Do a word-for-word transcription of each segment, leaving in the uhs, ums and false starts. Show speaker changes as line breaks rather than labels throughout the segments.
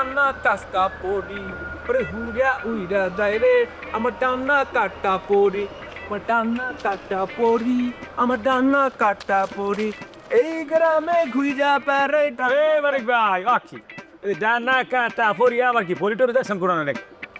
টানা কাস্কা পড়ি ওরে হুড়া উইরা যায় রে আমার টানা কাটা পড়ি আমার টানা কাটা পড়ি আমার টানা কাটা পড়ি এই গ্রামে ঘুইরা পারে
এ মানিক ভাই আখি এই ডানা কাটা পরি আবার কি পরিটরে দেখছেন কোরআন নাকি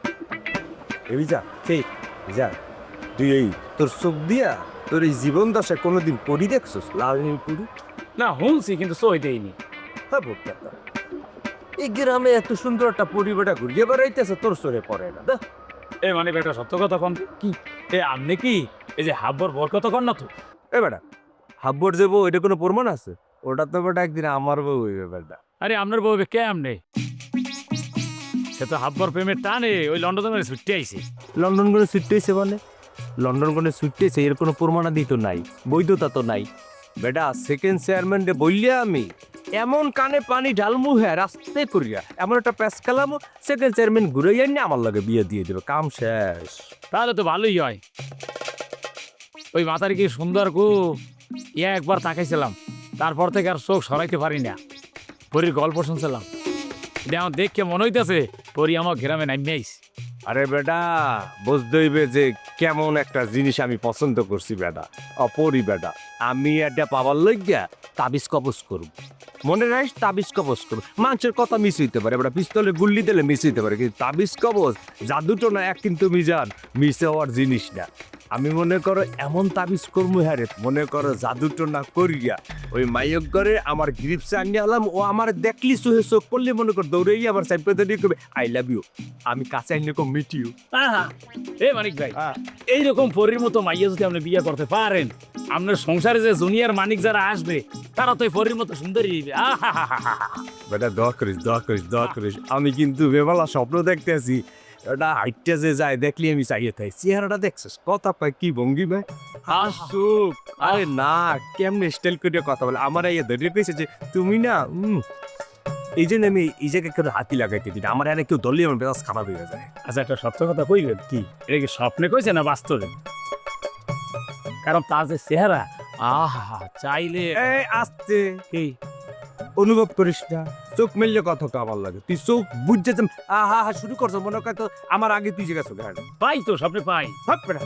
এ বিজা সেই বিজা তুই এই তোর চোখ দিয়া তোর এই জীবন দশা কোনোদিন পড়ি দেখছস লাল নীল পড়ি?
না শুনছি কিন্তু সই দেয়নি।
হ্যাঁ ভোক্তা এই গ্রামে এত সুন্দর একটা পরিবেটা ঘুরিয়ে বেড়াইতেছে তোর সরে পড়ে না দা।
এ মানে একটা সত্য কথা কন তো।
কি
এ আমনে কি এই যে হাব্বর বর কত কন না তো
এ বেটা হাব্বর যে বউ এটা কোনো প্রমাণ আছে? ওটা তো বেটা একদিন আমার বউ হইবে বেটা।
আরে আপনার বউ কে আমনে সে তো হাব্বর প্রেমের টানে ওই লন্ডন করে ছুটতে আইছে।
লন্ডন করে ছুটতেছে মানে লন্ডন করে ছুটতেছে এর কোনো প্রমাণাদি তো নাই, বৈধতা তো নাই বেটা। সেকেন্ড চেয়ারম্যান রে বললিয়া আমি এমন কানে পানি ঢালমু হ্যাঁ রাস্তায় করিয়া এমন একটা প্যাস খেলামো সেকেন্ড চেয়ারম্যান ঘুরে যায়নি আমার লগে বিয়ে দিয়ে দেবে, কাম শেষ।
তাহলে তো ভালোই হয়। ওই মাথার কি সুন্দর গো ইয়া একবার তাকাইছিলাম, তারপর থেকে আর চোখ সরাইতে পারি না। পরীর গল্প শুনছিলাম, এটা আমার দেখে মনে হইতেছে পরী আমার গ্রামে নামে আইছে।
আরে বেটা বুঝতে হইবে যে কেমন একটা জিনিস আমি পছন্দ করছি বেটা, অপরি বেটা। আমি এটা পাবার লইগা তাবিজ কবজ করব, মনে রাখিস তাবিজ কবজ করব। মানুষের কথা মিস হইতে পারে বেটা, পিস্তলে গুল্লি দিলে মিস হইতে পারে, কিন্তু তাবিজ কবজ জাদুটো না এক কিন্তু মিজান মিস হওয়ার জিনিস না। আমি মনে করো এমন তাবিজ করবো হ্যাঁ রে, মনে করো জাদুটো না করিয়া ওই মাইয়ক করে আমার গ্রিপসে আনিয়ে আলাম, ও আমার দেখলি চোহে চোখ পড়লে মনে কর দৌড়েই আমার সাইপে দিয়ে কবে আই লাভ ইউ, আমি কাছে আইনে কম মিট ইউ।
আহা, এ মানিক ভাই এইরকম পরীর মতো মাইয়া যদি আপনি বিয়ে করতে পারেন, আপনার সংসারে যে জুনিয়র মানিক যারা আসবে তারা তো এই পরীর মতো সুন্দরী হইবে। আহা,
বেটা দোয়া করিস দোয়া করিস দোয়া করিস। আমি কিন্তু বেমালা স্বপ্ন দেখতে আছি, ওটা হাইটটা যে যায় দেখলি আমি চাইয়ে থাই। চেহারাটা দেখছিস কথা পাই কি ভঙ্গি ভাই হাসুক। আরে না কেমনে স্টাইল করে কথা বলে আমার এই ধরে কইছে যে তুমি না উম, এই জন্য আমি এই জায়গায় কেউ হাতি লাগাইতে দিই না, আমার এনে কেউ ধরলে আমার বেশ খারাপ হয়ে যায়।
আচ্ছা একটা সত্য কথা কইবেন কি, এটা কি স্বপ্নে কইছে না বাস্তবে? কারণ তার যে চেহারা আহা চাইলে
এই আসতে
কি
অনুভব করিস না, চোখ মেললে কথা আমার লাগে, তুই চোখ বুঝতে আহা হা শুরু করছো মনে কর তো আমার আগে তুই যে গেছো গাড়ি
পাই তো স্বপ্নে পাই।
হাত পেড়া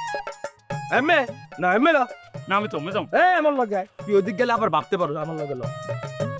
এমএ না এমএ না
না আমি তো মেজাম
এ আমার লাগে তুই ওদিক গেলে আবার ভাবতে পারো আমার লাগে